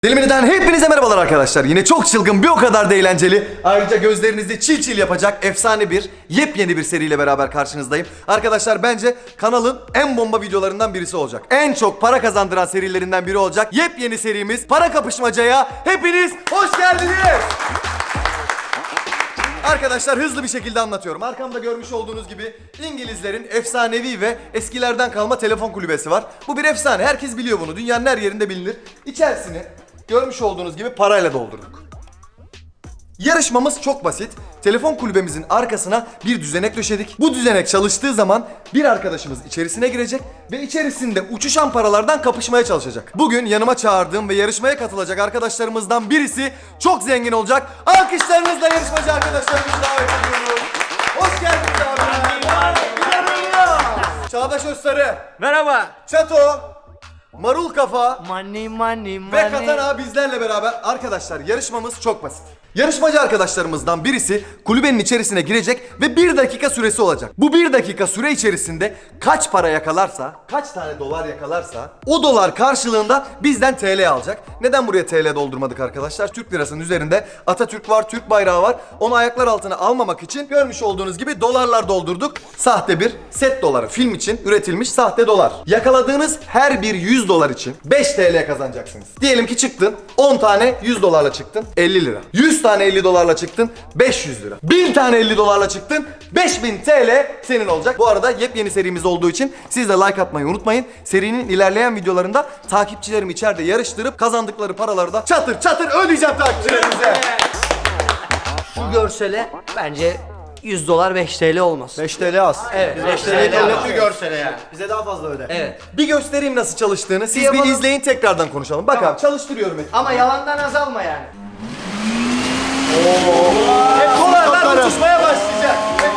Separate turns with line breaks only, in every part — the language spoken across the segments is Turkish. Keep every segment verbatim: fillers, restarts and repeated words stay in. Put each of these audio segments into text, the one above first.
Diliminiden hepinize merhabalar arkadaşlar. Yine çok çılgın, bir o kadar da eğlenceli, ayrıca gözlerinizi çil çil yapacak efsane bir, yepyeni bir seriyle beraber karşınızdayım. Arkadaşlar bence kanalın en bomba videolarından birisi olacak. En çok para kazandıran serilerinden biri olacak. Yepyeni serimiz Para Kapışmaca'ya hepiniz hoş geldiniz. Arkadaşlar hızlı bir şekilde anlatıyorum. Arkamda görmüş olduğunuz gibi İngilizlerin efsanevi ve eskilerden kalma telefon kulübesi var. Bu bir efsane. Herkes biliyor bunu. Dünyanın her yerinde bilinir. İçerisini görmüş olduğunuz gibi parayla doldurduk. Yarışmamız çok basit. Telefon kulübemizin arkasına bir düzenek döşedik. Bu düzenek çalıştığı zaman bir arkadaşımız içerisine girecek ve içerisinde uçuşan paralardan kapışmaya çalışacak. Bugün yanıma çağırdığım ve yarışmaya katılacak arkadaşlarımızdan birisi çok zengin olacak. Alkışlarınızla yarışmacı arkadaşlarımızı davet ediyoruz. Hoş geldiniz abi. Çağdaş Özsarı,
Merhaba.
Çato, Marul Kafa
Money money money.
ve Katana bizlerle beraber. Arkadaşlar yarışmamız çok basit. Yarışmacı arkadaşlarımızdan birisi kulübenin içerisine girecek ve bir dakika süresi olacak. Bu bir dakika süre içerisinde kaç para yakalarsa, kaç tane dolar yakalarsa o dolar karşılığında bizden T L alacak. Neden buraya T L doldurmadık arkadaşlar? Türk lirasının üzerinde Atatürk var, Türk bayrağı var. Onu ayaklar altına almamak için görmüş olduğunuz gibi dolarlar doldurduk. Sahte bir set doları, film için üretilmiş sahte dolar. Yakaladığınız her bir yüz dolar için beş T L kazanacaksınız. Diyelim ki çıktın on tane yüz dolarla çıktın elli lira. yüz tane elli dolarla çıktın beş yüz lira. bin tane elli dolarla çıktın beş bin T L senin olacak. Bu arada yepyeni serimiz olduğu için siz de like atmayı unutmayın. Serinin ilerleyen videolarında takipçilerimi içeride yarıştırıp kazandıkları paraları da çatır çatır ödeyeceğim takipçilerimize.
Şu görsele bence yüz dolar beş T L olmaz.
beş T L az.
Evet, beş T L
Devlet bir görsele yani. Bize daha fazla öde.
Evet.
Bir göstereyim nasıl çalıştığını. Siz bir
yapalım.
izleyin, tekrardan konuşalım. Bak
Tamam.
abi çalıştırıyorum ekip.
Ama yalandan azalma yani.
Dolarlar uçuşmaya başlayacak.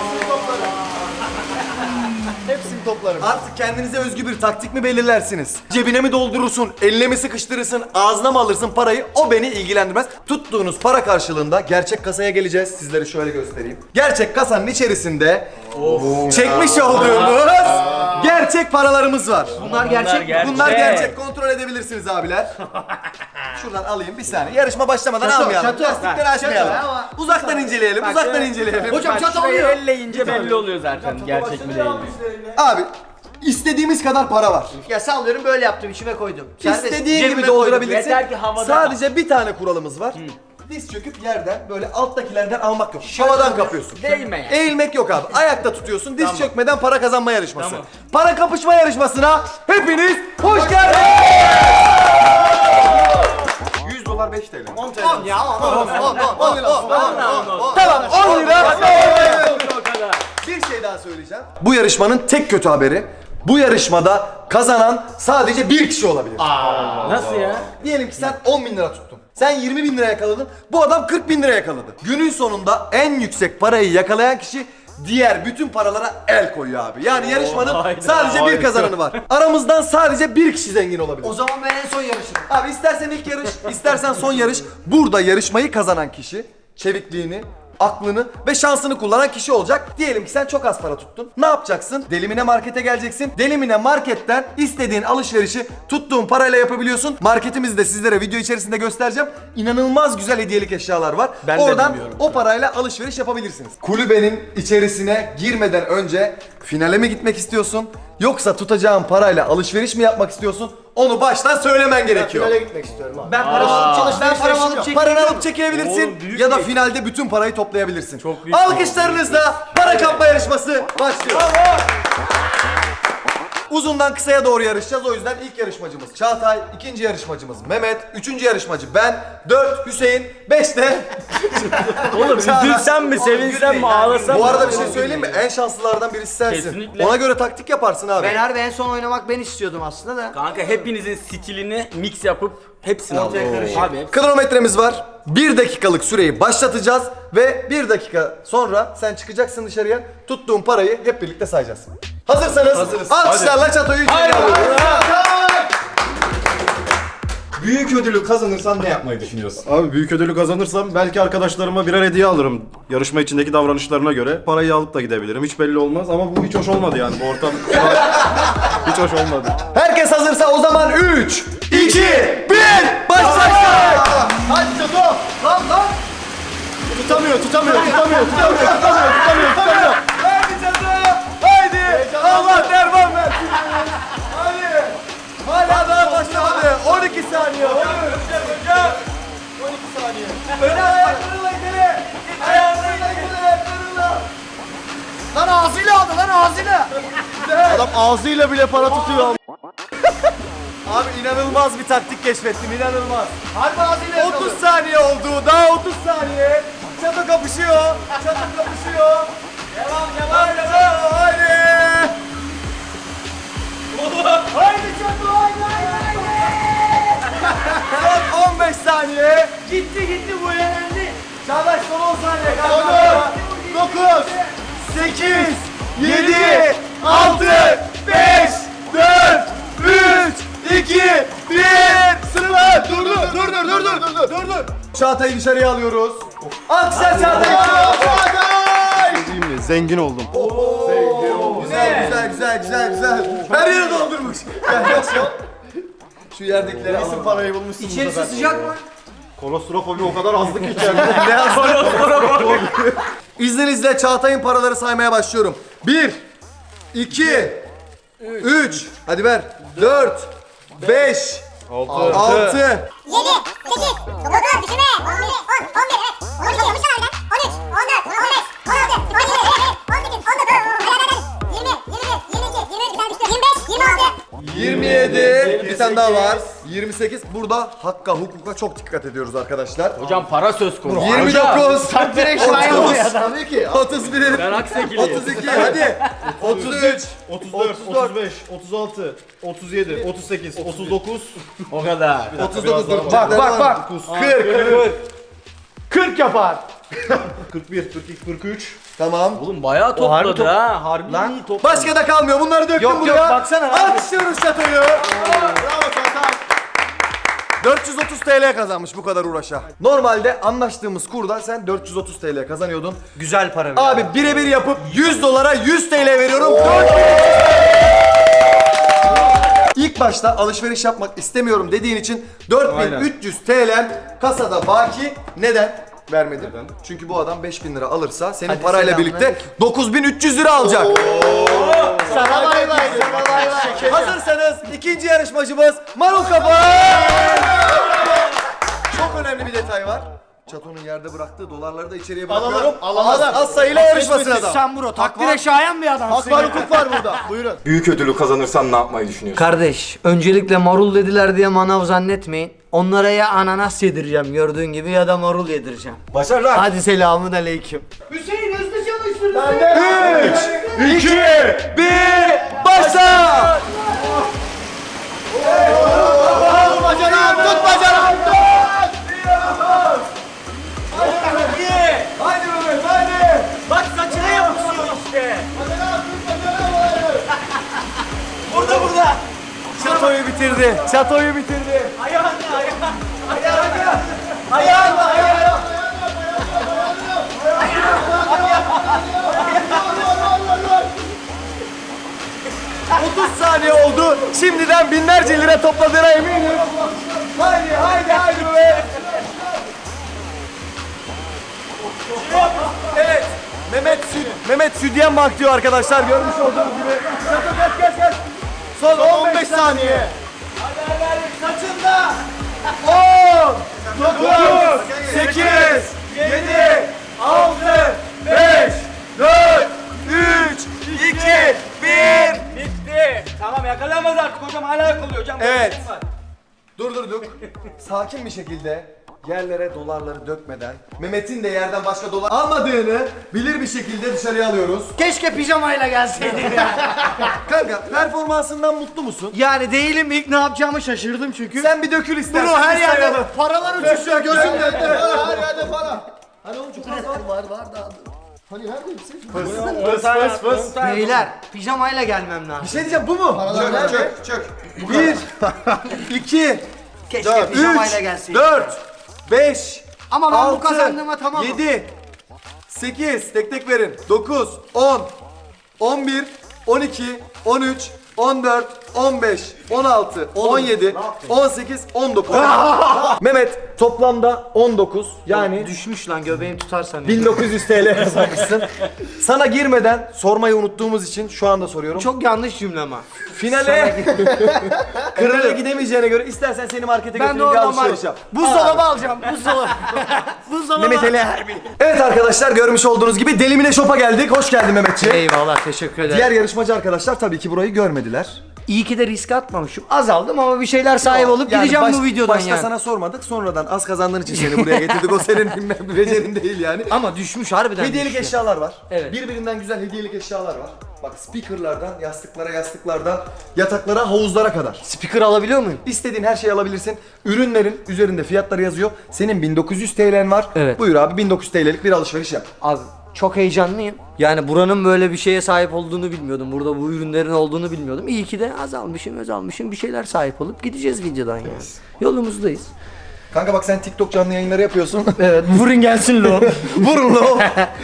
Hepsini toplarım.
Artık kendinize özgü bir taktik mi belirlersiniz? Cebine mi doldurursun, eline mi sıkıştırırsın, ağzına mı alırsın parayı? O beni ilgilendirmez. Tuttuğunuz para karşılığında gerçek kasaya geleceğiz. Sizlere şöyle göstereyim. Gerçek kasanın içerisinde çekmiş olduğumuz gerçek paralarımız var.
Bunlar gerçek mi?
Bunlar gerçek. Kontrol edebilirsiniz abiler. Şuradan alayım bir saniye. Yarışma başlamadan
Çatı,
almayalım.
çatı.
Lastikleri açmayalım.
Çatı ama-
Uzaktan inceleyelim. Uzaktan inceleyelim.
Hocam çatı
Şurayı
alıyor.
elleyince belli oluyor zaten gerçek mi değil mi?
Abi istediğimiz kadar para var.
Ya sallıyorum böyle yaptım içime koydum. Serbest.
İstediğin
Cebime
gibi
koydum.
doldurabilirsin.
Yeter ki havada
Sadece bir tane kuralımız var. Diz çöküp yerden böyle alttakilerden almak yok. Havadan kapıyorsun.
Değme yani.
Eğilmek yok abi. Ayakta tutuyorsun. Diz çökmeden para kazanma yarışması.
Tamam.
Para kapışma yarışmasına hepiniz hoş geldiniz. yüz dolar beş T L.
on T L.
On ya on on on on on on.
Tamam on lira.
O kadar.
Bir şey daha söyleyeceğim. Bu yarışmanın tek kötü haberi. Bu yarışmada kazanan sadece bir kişi olabilir.
Nasıl ya?
Diyelim ki sen on bin lira tuttun. Sen yirmi bin lira yakaladın. Bu adam kırk bin lira yakaladı. Günün sonunda en yüksek parayı yakalayan kişi diğer bütün paralara el koyuyor abi. Yani yarışmanın
hayda,
sadece bir
harika.
kazananı var. Aramızdan sadece bir kişi zengin olabilir.
O zaman ben en son yarışırım.
Abi istersen ilk yarış, istersen son yarış. Burada yarışmayı kazanan kişi çevikliğini, aklını ve şansını kullanan kişi olacak. Diyelim ki sen çok az para tuttun. Ne yapacaksın? Delimine markete geleceksin. Delimine marketten istediğin alışverişi tuttuğun parayla yapabiliyorsun. Marketimizi de sizlere video içerisinde göstereceğim. İnanılmaz güzel hediyelik eşyalar var.
Ben de
Oradan
bilmiyorum.
o parayla alışveriş yapabilirsiniz. Kulübenin içerisine girmeden önce finale mi gitmek istiyorsun? Yoksa tutacağın parayla alışveriş mi yapmak istiyorsun? Onu baştan söylemen gerekiyor.
Finale gitmek istiyorum abi.
Ben parasını çalış, ben paramı alıp çekeyim.
Paranı alıp çekebilirsin
Oğlum, büyük
ya da
bir-
finalde bütün parayı toplayabilirsin.
Çok büyük
Alkışlarınızla para kapma yarışması başlıyor. Uzundan kısaya doğru yarışacağız. O yüzden ilk yarışmacımız Çağatay, ikinci yarışmacımız Mehmet, üçüncü yarışmacı ben, dört Hüseyin, beş de
Oğlum üzülsem mi, sevinsem mi, ağlasam mı?
Bu arada bir şey söyleyeyim mi? En şanslılardan birisi sensin.
Kesinlikle.
Ona göre taktik yaparsın abi.
Ben harbi en son oynamak ben istiyordum aslında da.
Kanka hepinizin stilini mix yapıp hepsini
Ortaya
alalım.
karışık.
Abi hepsi.
Kronometremiz var. Bir dakikalık süreyi başlatacağız ve bir dakika sonra sen çıkacaksın dışarıya. Tuttuğun parayı hep birlikte sayacağız. Hazırsanız
Hazırız.
alkışlarla çatoyu içeri alıyoruz.
Büyük ödülü kazanırsan ne yapmayı düşünüyorsun? Abi büyük ödülü kazanırsam belki arkadaşlarıma birer hediye alırım. Yarışma içindeki davranışlarına göre. Parayı alıp da gidebilirim. Hiç belli olmaz ama bu hiç hoş olmadı yani. Bu ortam hiç hoş olmadı.
Herkes hazırsa o zaman üç, iki, bir, başlasın!
Hadi Çato. Lan lan. Tutamıyor, tutamıyor, tutamıyor, tutamıyor, tutamıyor, tutamıyor, tutamıyor.
Haydi Çato! Haydi! Allah derman versin! Hadi! Hala daha başlamadı. on iki saniye. on iki saniye. Öne ayaklarıyla ileri. Ayaklarıyla ileri. Ayaklarıyla.
Lan ağzıyla aldı lan ağzıyla.
Adam ağzıyla bile para tutuyor.
Abi inanılmaz bir taktik keşfettim. İnanılmaz.
Harbi ağzıyla
otuz saniye oldu. Daha otuz saniye. Çato kapışıyor. Çato kapışıyor. Devam devam devam. Haydi. Haydi Çato haydi haydi haydi. Son on beş saniye.
Gitti gitti bu yenendi.
Çağdaş son on saniye kaldı. dokuz, sekiz, yedi, altı, beş, dört, üç, iki, bir, sıfır. Dur dur dur dur dur dur dur dur dur. Çağatay'ı dışarıya alıyoruz. Alkışlar Çağatay'ı.
Değil mi? Zengin oldum.
Güzel güzel güzel güzel güzel. Her yeri doldurmuş. Gel gel şu. Şu yerdekileri
Kesin
alalım.
parayı bulmuşsun.
İçerisi sıcak mı?
Kolostrofobi o kadar azdı ki içeride.
Ne yazdı? İzninizle Çağatay'ın paraları saymaya başlıyorum. Bir, iki, üç, hadi ver. Dört, beş, altı,
yedi, sekiz, dokuz, düşünme, on bir, on, on bir, evet, on iki, yapmışlar harbiden, on üç, on dört, on beş, on altı, on yedi, evet, on sekiz, on dokuz, hadi hadi hadi, yirmi, yirmi bir, yirmi iki, yirmi üç, bir tane düştü, yirmi beş, yirmi altı,
yirmi yedi, bir tane daha var. yirmi sekiz. Burada hakka, hukuka çok dikkat ediyoruz arkadaşlar.
Hocam para söz konusu.
yirmi dokuz,
Direkt şuraya oluyor adam.
Tabii ki.
otuz bir,
Ben Aksakiliyim.
otuz iki, hadi. otuz üç,
otuz dört, otuz beş, otuz altı, otuz yedi, otuz sekiz, otuz dokuz.
O kadar.
otuz dokuz, dur.
Bak,
bak, bak. kırk,
kırk yapar.
kırk bir, kırk iki, kırk üç.
tamam.
Oğlum bayağı
harbi
topladı
top-
ha. Harbi iyi topladı.
Başka da kalmıyor. Bunları döktüm
Yok,
buraya.
yok, baksana abi.
Alkışlıyoruz Çato'yu.
Bravo Çağatay.
dört yüz otuz T L kazanmış bu kadar uğraşa. Normalde anlaştığımız kurda sen dört yüz otuz T L kazanıyordun.
Güzel para.
Abi birebir yapıp yüz dolara yüz T L veriyorum. dört bin. İlk başta alışveriş yapmak istemiyorum dediğin için dört bin üç yüz T L kasada baki. Neden? Vermedim. Çünkü bu adam beş bin lira alırsa senin
Hadi
parayla
selamlar.
birlikte dokuz bin üç yüz lira alacak.
Sana bay bay. Sana bay bay.
Hazırsanız ikinci yarışmacımız Marul Kafa. Çok önemli bir detay var. Çato'nun yerde bıraktığı dolarları da içeriye bırakıyorum.
Alalım, alalım.
Az, az sayıyla yarışmasın adam.
Sen bro takdire şayan bir adamsın.
Hak var, hukuk var burada. Buyurun.
Büyük ödülü kazanırsan ne yapmayı düşünüyorsun?
Kardeş, öncelikle marul dediler diye manav zannetmeyin. Onlara ya ananas yedireceğim gördüğün gibi ya da marul yedireceğim.
Başarılar.
Hadi selamun aleyküm.
üç, iki, bir, başla!
Bacanağım, tut bacanağım.
Haydi Mehmet, haydi!
Bak saçına yapışıyor işte. Burada burada.
Çato'yu bitirdi, Çato'yu bitirdi.
Ayağınla ayağınla.
Ayağınla, ayağınla. otuz saniye oldu. Şimdiden binlerce lira topladığına eminim. Haydi, haydi, haydi be. Evet. Mehmet Süt, Mehmet Südyen Bank diyor arkadaşlar. Görmüş olduğunuz gibi. Çato kaç kaç kaç. Son on beş saniye. Saçında. on, dokuz, sekiz, yedi, altı, beş, dört, üç, iki, bir.
Bitti. Tamam yakalayamaz artık hocam hala yakalıyor hocam.
Evet. Durdurduk. Sakin bir şekilde yerlere dolarları dökmeden Mehmet'in de yerden başka dolar almadığını bilir bir şekilde dışarıya alıyoruz.
Keşke pijamayla gelseydin ya.
Kanka performansından mutlu musun?
Yani değilim, ilk ne yapacağımı şaşırdım çünkü.
Sen bir dökül istersen.
Bro her
bir
yerde
sayalım.
paralar uçuşuyor gözümde.
Her yerde para.
Hani oğlum çok az var.
Var var da.
Hani nerede hepsi?
Fıs fıs fıs.
Beyler pijamayla gelmem
Bir
lazım.
şey diyeceğim bu mu?
Çök, çök, çök.
Bir, iki,
Keşke pijamayla
üç,
gelseydin.
dört, beş,
Ama ben bu
altı,
kazandığıma tamamım.
yedi, sekiz, tek tek verin. dokuz, on, on bir, on iki, on üç, on dört, on beş, on altı, on yedi, on sekiz, on dokuz. Mehmet toplamda on dokuz yani
Düşmüş lan göbeğim tutarsan.
bin dokuz yüz T L kazanmışsın. Sana girmeden sormayı unuttuğumuz için şu anda soruyorum.
Çok yanlış cümle ama.
Finale Finale gidemeyeceğine göre istersen seni markete
Ben de
götüreyim bir
oradan var.
alışveriş yap.
Buzdolabı alacağım. Buzdolabı. Buzdolabı.
Mehmet Ali Erbil. Evet arkadaşlar görmüş olduğunuz gibi Delimine Shop'a geldik. Hoş geldin Mehmetciğim.
Eyvallah teşekkür ederim.
Diğer yarışmacı arkadaşlar tabii ki burayı görmediler.
İyi ki de risk atmamışım. Azaldım ama bir şeyler sahip olup
Yani
gideceğim
baş-
bu videodan
Başta
yani.
sana sormadık, sonradan az kazandığın için seni buraya getirdik. O senin bilmem becerin değil yani.
Ama düşmüş harbiden
Hediyelik
düştü.
eşyalar var.
Evet.
Birbirinden güzel hediyelik eşyalar var. Bak speakerlardan, yastıklara, yastıklardan, yataklara, havuzlara kadar.
Speaker alabiliyor muyum?
İstediğin her şeyi alabilirsin. Ürünlerin üzerinde fiyatları yazıyor. Senin bin dokuz yüz T L'en var.
Evet.
Buyur abi bin dokuz yüz T L'lik bir alışveriş yap.
Abi çok heyecanlıyım. Yani buranın böyle bir şeye sahip olduğunu bilmiyordum. Burada bu ürünlerin olduğunu bilmiyordum. İyi ki de azalmışım, azalmışım. Bir şeyler sahip olup gideceğiz videodan yani. Yolumuzdayız.
Kanka bak sen TikTok canlı yayınları yapıyorsun.
Evet, vurun gelsin lo.
Vurun lo.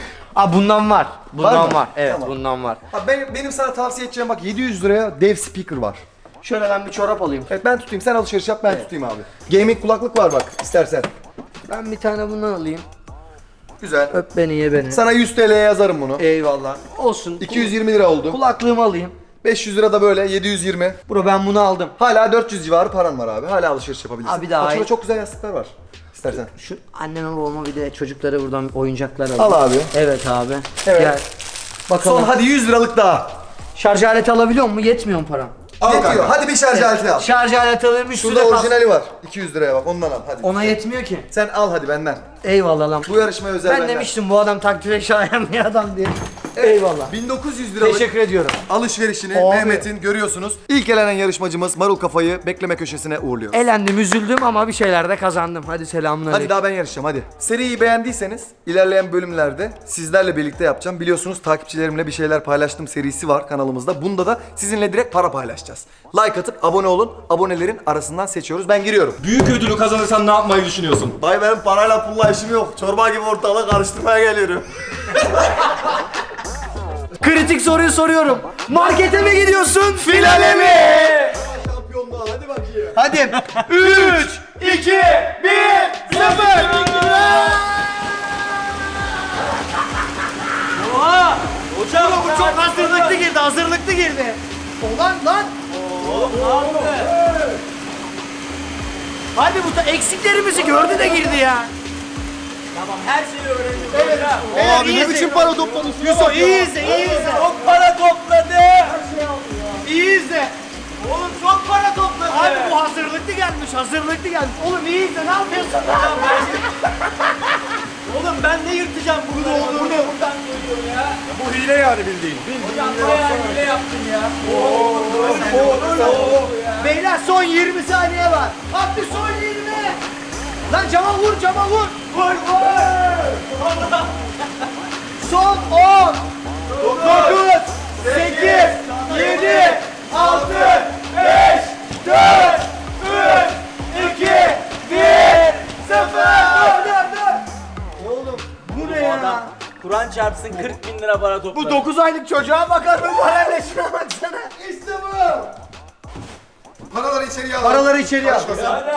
Aa bundan var. Bundan
Var
var.
mı?
Evet,
Tamam.
bundan var.
Abi benim, benim sana tavsiye edeceğim bak yedi yüz liraya dev speaker var.
Şöyle ben bir çorap alayım.
Evet ben tutayım, sen alışveriş yap, ben tutayım abi. Gaming kulaklık var bak istersen.
Ben bir tane bundan alayım.
Güzel.
Öp beni, ye beni.
Sana yüz T L'ye yazarım bunu.
Eyvallah. Olsun.
iki yüz yirmi lira oldu.
Kulaklığımı alayım.
beş yüz lira da böyle yedi yüz yirmi.
Bro ben bunu aldım.
Hala dört yüz civarı paran var abi. Hala alışveriş yapabilirsin.
Abi daha
Bak şurada
iyi.
çok güzel yastıklar var. İstersen.
Şu anneme babama bir de çocuklara buradan oyuncaklar alayım.
Al abi.
Evet abi.
Evet.
Gel. Bakalım.
Son hadi yüz liralık daha.
Şarj aleti alabiliyor mu? Yetmiyor mu param?
Al Yetiyor. Hadi bir şarj aleti al.
Şarj aleti alırım üstüne
Şurada
kas-
orijinali var. iki yüz liraya bak ondan al hadi.
Ona yetmiyor ki.
Sen al hadi benden.
Eyvallah lan.
Bu yarışmaya özel
Ben
benden.
demiştim bu adam takdire şayan bir adam diye. Eyvallah.
bin dokuz yüz liralık
Teşekkür ediyorum.
alışverişini
Abi.
Mehmet'in görüyorsunuz. İlk elenen yarışmacımız Marul Kafayı bekleme köşesine uğurluyor.
Elendim, üzüldüm ama bir şeyler de kazandım. Hadi selamünaleyküm.
Hadi daha ben yarışacağım hadi. Seriyi beğendiyseniz ilerleyen bölümlerde sizlerle birlikte yapacağım. Biliyorsunuz takipçilerimle bir şeyler paylaştım serisi var kanalımızda. Bunda da sizinle direkt para paylaşacağız. Like atıp abone olun. Abonelerin arasından seçiyoruz. Ben giriyorum.
Büyük ödülü kazanırsan ne yapmayı düşünüyorsun?
Dayı benim parayla pulla işim yok. Çorba gibi ortalığı karıştırmaya geliyorum.
Kritik soruyu soruyorum. Markete mi gidiyorsun? Finale mi?
Şampiyonluğa hadi bakayım.
Hadi. üç, iki, bir, sıfır. Oha! Hocam bu çok hazırlıklı girdi, hazırlıklı girdi. Ulan lan! Hadi bu da eksiklerimizi gördü de girdi ya. Tamam her şeyi öğrendim. Evet.
Abi ne biçim para topladın?
Yusuf iyi izle, iyi izle.
Çok para topladı.
İyi izle.
Oğlum çok para topladı.
Abi bu hazırlıklı gelmiş, hazırlıklı gelmiş. Oğlum iyi izle, ne yapıyorsun?
Oğlum ben ne yırtacağım bunu olduğunu. Buradan geliyor ya.
Bu hile yani bildiğin.
Hocam bayağı hile yaptın ya.
Beyler son yirmi saniye var. Abdü son yirmi. Lan cama vur, cama vur. Vur, vur. Son on. dokuz, sekiz, yedi, altı, beş, dört, üç, iki, bir, sıfır. Dur, dur, dur. Oğlum bu ne ya?
Kur'an çarpsın kırk bin lira para topladı.
Bu dokuz aylık çocuğa bakar mı parayla şuna baksana. İşte bu.
Paraları içeriye al.
Paraları içeriye al.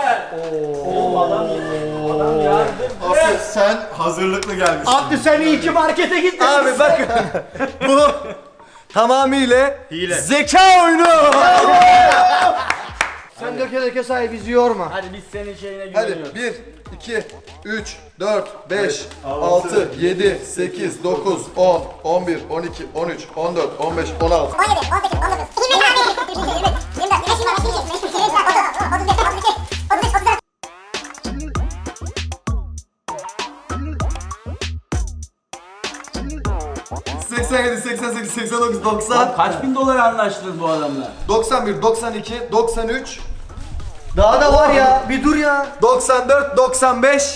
Asıl sen hazırlıklı gelmişsin.
Abdü sen iyi ki markete gittin.
Abi bakın. Bu tamamıyla
Hile.
zeka oyunu.
Sen döke döke say bizi yorma.
Hadi biz senin şeyine
Hadi
güveniyoruz.
bir, iki, üç, dört, beş, altı, yedi, sekiz, dokuz, on, on bir, on iki, on üç, on dört, on beş, on altı.
on yedi, on sekiz, on dokuz, yirmi, yirmi bir, yirmi iki, yirmi üç, yirmi dört, yirmi beş, yirmi altı, yirmi yedi, yirmi sekiz, otuz, otuz bir, otuz iki, otuz üç, otuz dört.
seksen yedi, seksen sekiz, seksen dokuz, doksan,
Kaç bin dolar anlaştınız bu adamla?
doksan bir, doksan iki, doksan üç,
Daha da var ya. Bir dur ya.
doksan dört, doksan beş,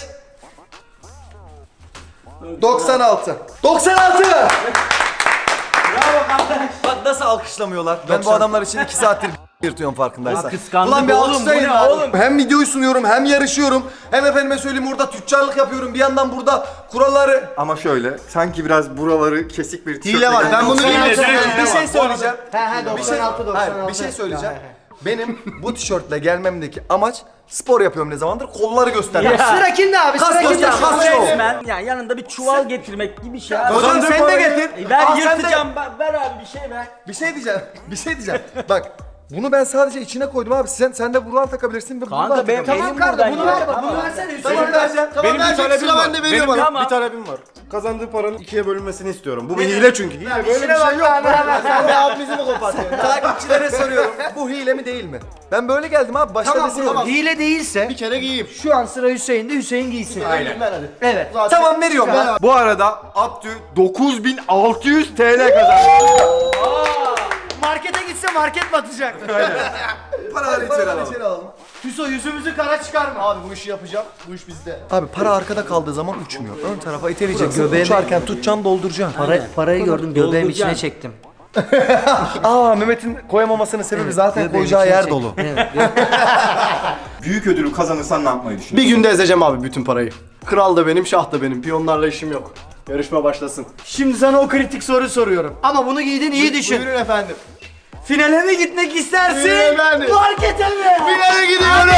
doksan altı. doksan altı!
Bravo kardeş.
Bak nasıl alkışlamıyorlar. Ben bu adamlar için iki saattir yırtıyorum farkındaysan.
Ya kıskandık
Ulan bir
oğlum, bu
alkışlayın
ne
lan.
oğlum?
Hem videoyu sunuyorum hem yarışıyorum. Hem efendime söyleyeyim burada tüccarlık yapıyorum. Bir yandan burada kuralları...
Ama şöyle, sanki biraz buraları kesik bir tişörtle
Hile var. Ben bunu
geldim.
bir şey söyleyeceğim.
He he
Bir şey,
doksan altı doksan altı.
hayır, bir şey söyleyeceğim. Benim bu tişörtle gelmemdeki amaç spor yapıyorum ne zamandır kolları göstermek.
Sıra kimde abi?
Kas
Sıra kimde?
göster, kas şov.
Resmen ya yanında bir çuval getirmek gibi şey. abi.
Hocam sen de getir.
E, ver
Al sen de-
yırtacağım ver, ver abi bir şey ver.
Bir şey diyeceğim. Bir şey diyeceğim. Bak bunu ben sadece içine koydum abi. Sen sen de buradan takabilirsin ve buradan
Kanka benim
takabilirsin.
elim
Tamam
buradan
kardeşim bunu
ya.
ver bak.
Tamam.
Bunu versene Hüseyin.
Tamam vereceğim. Tamam
Benim bir
verecek,
talebim
sıra
var.
bende
Benim
veriyor bana.
Tamam.
bir talebim var. Kazandığı paranın ikiye bölünmesini istiyorum. Bu bir hile çünkü. Hile böyle bir şey yok.
Sen de abimizi mi kopartıyorsun? Takipçilere soruyorum. Bu hile mi değil mi? Ben böyle geldim abi. Başta
Tamam
desin
bro. Hile değilse
Bir kere giyeyim.
şu an sıra Hüseyin'de, Hüseyin giysin.
Aynen.
Evet.
Tamam veriyorum ben.
Bu arada Abdü dokuz bin altı yüz T L kazandı.
Markete gitse market batacak.
Paraları içeri alalım.
Hüso yüzümüzü kara çıkarma.
Abi bu işi yapacağım. Bu iş bizde.
Abi para arkada kaldığı zaman uçmuyor. Ön tarafa iteleyeceksin.
Göbeğime-
Uçarken tutacaksın dolduracaksın.
Para, parayı gördüm göbeğim içine
Dolduracaksın.
çektim.
Aa Mehmet'in koyamamasının sebebi zaten
Göbeğim
koyacağı
içine
yer
çektim.
dolu.
Evet.
Büyük ödülü kazanırsan ne yapmayı
Bir
düşünüyorsun?
günde ezeceğim abi bütün parayı. Kral da benim, şah da benim. Piyonlarla işim yok. Yarışma başlasın.
Şimdi sana o kritik soru soruyorum. Ama bunu giydin iyi düşün.
Buyurun efendim.
Finale mi gitmek istersin?
Buyurun efendim.
Markete mi?
Finale gidiyorum.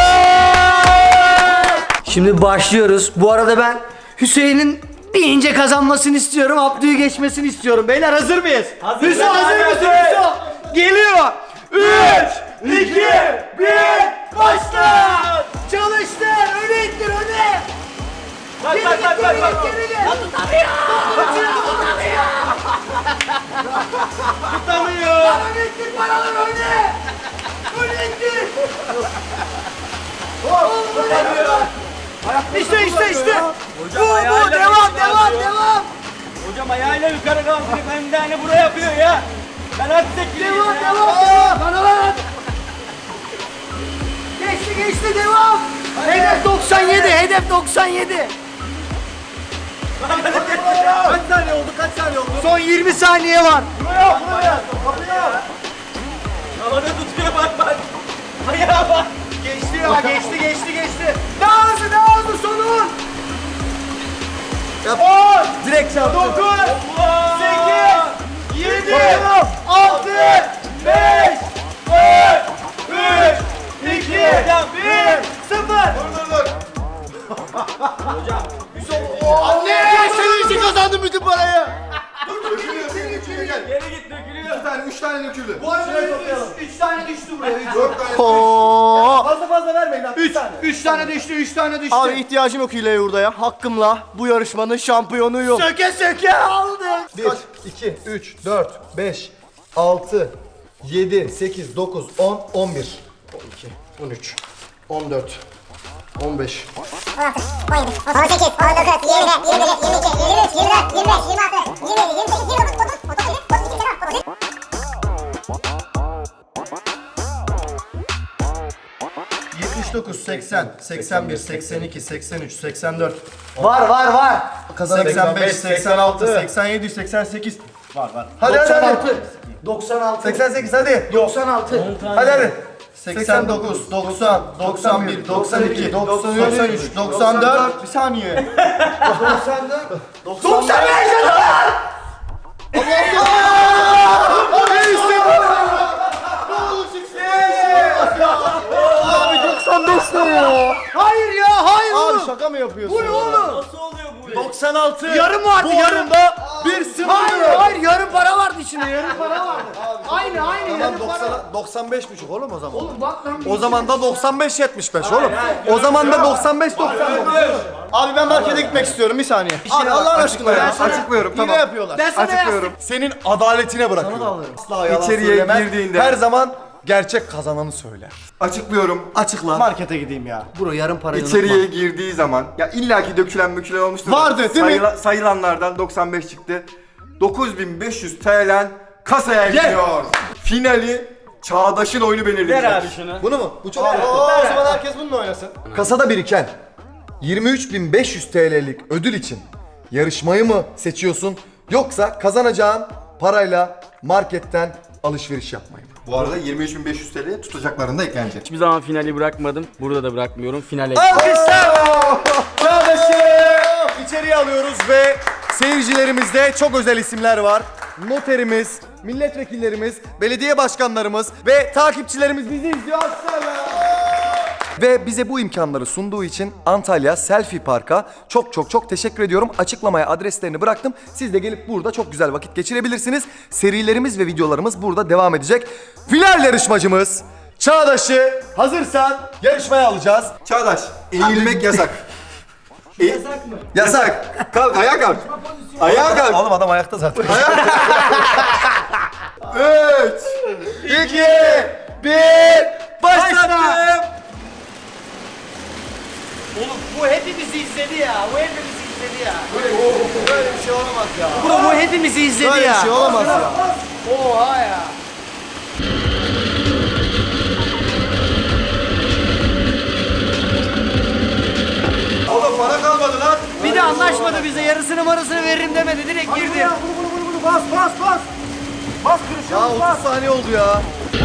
Şimdi başlıyoruz. Bu arada ben Hüseyin'in bir ince kazanmasını istiyorum. Abdü'yü geçmesini istiyorum. Beyler hazır mıyız?
Hazır.
Hüso hazır
Hadi,
mısın
hadi.
Hüso? Geliyor. üç, iki, bir, başla. Çalıştır. Öne ittir öne.
Bak
Geri
bak
git,
bak
geri
bak.
git,
bak.
geri git. Ya tutamıyor. Tutamıyor.
Tutamıyor.
Öne ittir paraları öne. Öne ittir. İşte işte işte. Bu bu
ayağıyla
devam
bir şey
devam
yapıyor.
devam.
Hocam ayağıyla yukarı kaldırıp hem de hani buraya yapıyor ya. Ben artık çekileyim
Devam
ya.
devam devam. Bana lan. Geçti geçti devam. Hedef doksan yedi. Hedef doksan yedi.
Kaç saniye oldu? Kaç saniye oldu?
Son yirmi saniye var.
Havada tutuyor bak bak. Ayağa bak.
Geçti ya geçti geçti geçti. Daha hızlı daha hızlı sonun. on,
Direkt çarptı.
dokuz, sekiz, yedi, altı, beş, dört, üç, iki, bir, sıfır. Anne! Senin için kazandım bütün parayı.
Geri git dökülüyor.
Bir tane, üç tane döküldü.
Bu arada üç tane düştü buraya. Üç.
Dört tane.
Fazla fazla vermeyin lan.
Üç, üç tane düştü, üç tane düştü.
Abi ihtiyacım yok hileye hurdaya. Hakkımla bu yarışmanın şampiyonuyum.
Söke söke aldık.
bir, iki, üç, dört, beş, altı, yedi, sekiz, dokuz, on, on bir.
on iki, on üç, on dört, on beş.
on altı, on yedi, on sekiz, on dokuz, yirmi, yirmi bir, yirmi iki, yirmi üç, yirmi dört, yirmi beş, yirmi altı, yirmi yedi, yirmi sekiz, yirmi dokuz, otuz, otuz bir, otuz iki, otuz üç.
yetmiş dokuz, seksen, seksen bir, seksen iki, seksen üç, seksen dört,
Var var var.
seksen beş, seksen altı, seksen yedi, seksen sekiz. Var var.
Hadi hadi hadi.
doksan altı.
seksen sekiz hadi.
doksan altı.
Hadi hadi.
seksen dokuz, doksan, doksan bir, doksan iki, doksan üç, doksan dört. Bir saniye.
doksan dört. doksan beş.
doksan beş ne ya?
Hayır ya hayır
Abi
oğlum.
şaka mı yapıyorsun?
Bu ne oğlum?
Nasıl oluyor bu?
doksan altı.
Yarım vardı yarım.
bir sıfır.
Hayır hayır yarım para vardı içinde yarım para vardı. Aynı aynı yarım para.
doksan, doksan beş buçuk oğlum o zaman.
Oğlum bak lan.
O zaman da doksan beş yetmiş beş oğlum. O zaman da doksan beş doksan dokuz.
Abi ben markete gitmek istiyorum bir saniye. Abi Allah'ın aşkına ya.
Açıklıyorum,
Hile
tamam.
yapıyorlar.
Ben sana
Açıklıyorum.
Senin adaletine bırakıyorum.
Asla yalan
İçeriye
söylemez.
girdiğinde
Her zaman gerçek kazananı söyler.
açıklıyorum.
Açıkla.
Markete gideyim ya.
Bro yarım parayı
İçeriye girdiği zaman ya illaki dökülen mükülen olmuştur.
Vardı, değil mi?
Sayıla- Sayılanlardan doksan beş çıktı. dokuz bin beş yüz T L kasaya gidiyor. Finali Çağdaş'ın oyunu belirleyecek.
Ver abi şunu.
Bunu mu? Bu çok
Oo, o zaman herkes bununla oynasın.
Kasada biriken yirmi üç bin beş yüz T L'lik ödül için yarışmayı mı seçiyorsun yoksa kazanacağın parayla marketten alışveriş yapmayı mı?
Bu arada yirmi üç bin beş yüz T L tutacaklarında eklenecek.
Hiçbir zaman finali bırakmadım. Burada da bırakmıyorum. Finale.
Alkışlar! Çağdaş'ı içeriye alıyoruz ve seyircilerimizde çok özel isimler var. Noterimiz, milletvekillerimiz, belediye başkanlarımız ve takipçilerimiz bizi izliyor. Alkışlarla! Ve bize bu imkanları sunduğu için Antalya Selfie Park'a çok çok çok teşekkür ediyorum. Açıklamaya adreslerini bıraktım. Siz de gelip burada çok güzel vakit geçirebilirsiniz. Serilerimiz ve videolarımız burada devam edecek. Final yarışmacımız Çağdaş'ı hazırsan yarışmaya alacağız.
Çağdaş, eğilmek yasak. yasak mı?
Yasak.
Kalk, ayağa kalk. Ayağa kalk.
Oğlum adam ayakta zaten.
üç,
iki, bir, başlattım.
Oğlum bu hepimizi izledi ya. Bu hepimizi izledi ya.
Böyle bir şey olamaz ya.
Bro bu hepimizi izledi
Böyle
ya.
bir şey olamaz ya.
Oha ya.
Oğlum para kalmadı lan.
Bir de anlaşmadı bize. Yarısını marısını veririm demedi. Direkt girdi.
Bas bas bas. Bas kırışıyor.
Ya otuz saniye oldu ya.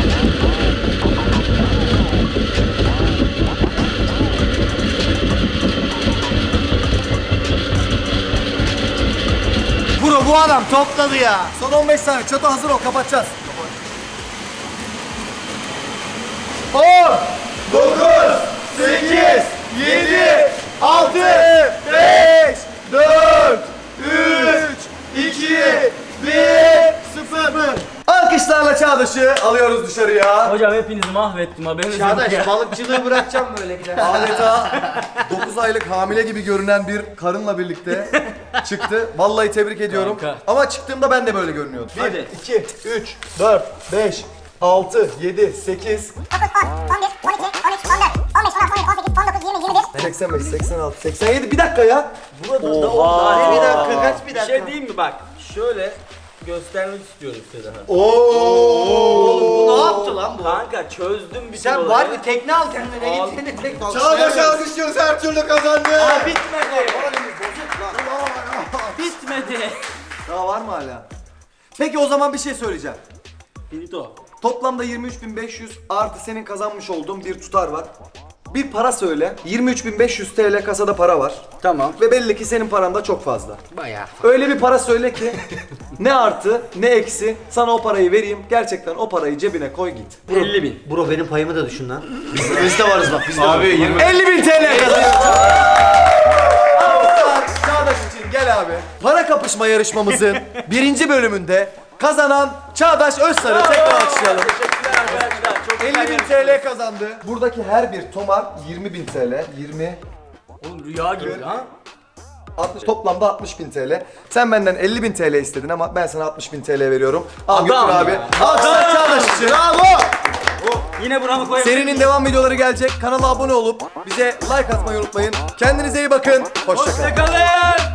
Bro bu adam topladı ya.
Son on beş saniye. Çatı hazır ol. Kapatacağız. on, dokuz, sekiz, yedi, altı, beş, dört, üç, iki, bir, sıfır. Alkışlarla Çağdaş'ı alıyoruz dışarıya.
Hocam hepinizi mahvettim haberiniz yok ya.
Çağdaş balıkçılığı bırakacağım böyle gider.
Adeta dokuz aylık hamile gibi görünen bir karınla birlikte çıktı. Vallahi tebrik ediyorum.
Kanka.
Ama çıktığımda ben de böyle görünüyordum.
Hadi.
iki, üç, dört, beş, altı, yedi, sekiz,
dokuz, on, on bir, on iki, on üç, on dört, on beş, on altı, on yedi, on sekiz, on dokuz, yirmi, yirmi bir.
seksen beş, seksen altı, seksen yedi. Bir dakika ya.
Oha. Bir dakika kaç bir
Bir
dakika.
şey diyeyim mi bak. Şöyle göstermek istiyorum size daha.
Bu ne yaptı lan bu?
Kanka çözdüm bir
Sen
olayı.
var bir tekne al kendine
Al.
git seni tek al.
Çağdaş alkışlıyoruz, her türlü kazandı.
Bitmedi. Bitmedi.
Daha var mı hala? Peki o zaman bir şey söyleyeceğim.
Finito.
Toplamda yirmi üç bin beş yüz artı senin kazanmış olduğun bir tutar var. Bir para söyle. yirmi üç bin beş yüz T L kasada para var.
Tamam.
Ve belli ki senin paran da çok fazla.
Bayağı.
Öyle bir para söyle ki ne artı ne eksi sana o parayı vereyim. Gerçekten o parayı cebine koy git.
elli bin.
Bro benim payımı da düşün lan. Biz, biz de varız bak biz de
Abi yirmi.
elli bin T L kazanıyorsun. Alkışlar Çağdaş için gel abi. Para kapışma yarışmamızın birinci bölümünde kazanan Çağdaş Özsar'ı tekrar alkışlayalım.
Teşekkürler arkadaşlar. Çok
elli bin T L kazandı. Buradaki her bir tomar yirmi bin T L. yirmi,
Oğlum rüya gibi ha.
altmış, toplamda altmış bin T L. Sen benden elli bin T L istedin ama ben sana altmış bin T L veriyorum. Al götür abi.
ya.
Alkışlar Çağdaş için. Bravo.
Yine buramı koyabilirim.
Serinin devam videoları gelecek. Kanala abone olup bize like atmayı unutmayın. Kendinize iyi bakın. Hoşça kalın.
Hoşçakalın.